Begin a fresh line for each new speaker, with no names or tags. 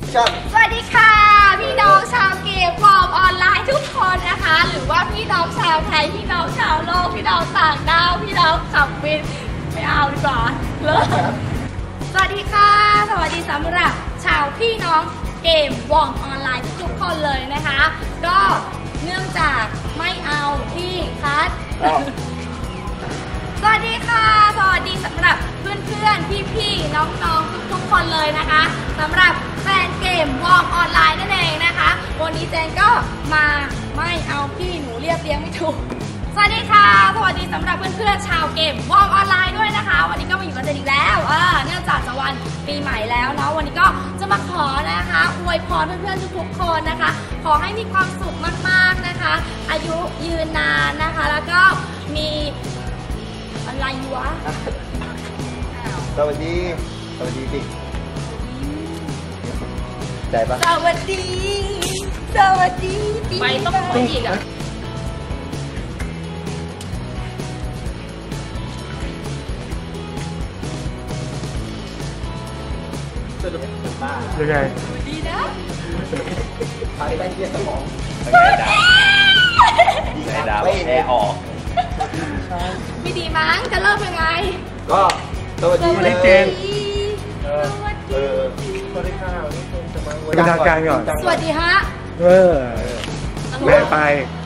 สวัสดีค่ะพี่น้องชาวเกมฟอร์มออนไลน์ทุกคนนะคะหรือว่าพี่น้องชาวไทยพี่น้องชาวโลกพี่น้องต่างดาวพี่น้องขับวินไม่เอาดีกว่าเลิกสวัสดีค่ะสวัสดีสำหรับชาวพี่น้องเกมวอร์มออนไลน์ทุกคนเลยนะคะก็เนื่องจากไม่เอาที่คัดสวัสดีค่ะสวัสดีสำหรับเพื่อนๆพี่ๆน้องๆทุกๆคนเลยนะคะสำหรับแฟนเกมวอร์มออนไลน์นั่นเองนะคะวันนี้เจนก็มาไม่เอาพี่หนูเรียบเรียงไม่ถูกสวัสดีค่ะสวัสดีสำหรับเพื่อนๆชาวเกมวอร์มออนไลน์ด้วยนะคะวันนี้ก็มาอยู่กับเจนอีกแล้วเนื่องจากจะวันปีใหม่แล้วเนาะวันนี้ก็จะมาขอนะคะอวยพรเพื่อนๆทุกๆคนนะคะขอให้มีความสุขมากๆนะคะอายุยืนนานนะคะแล้วก็มีอะไรวะ
สวัสดีสิใจปะ
สวัสดีไปต้องไปอีกอ่ะ
ยังไง
ดีนะ
พาไปเที่ยวสมอง
ไอ้ดาวแอร์ออก
ไม่ดีมั้งจะเริ่มยังไง
ก็สวัสดี
เจน
สวัสดีค่ะ
เป็นทางการก่อน
สวัสดีฮะ
แม่ไป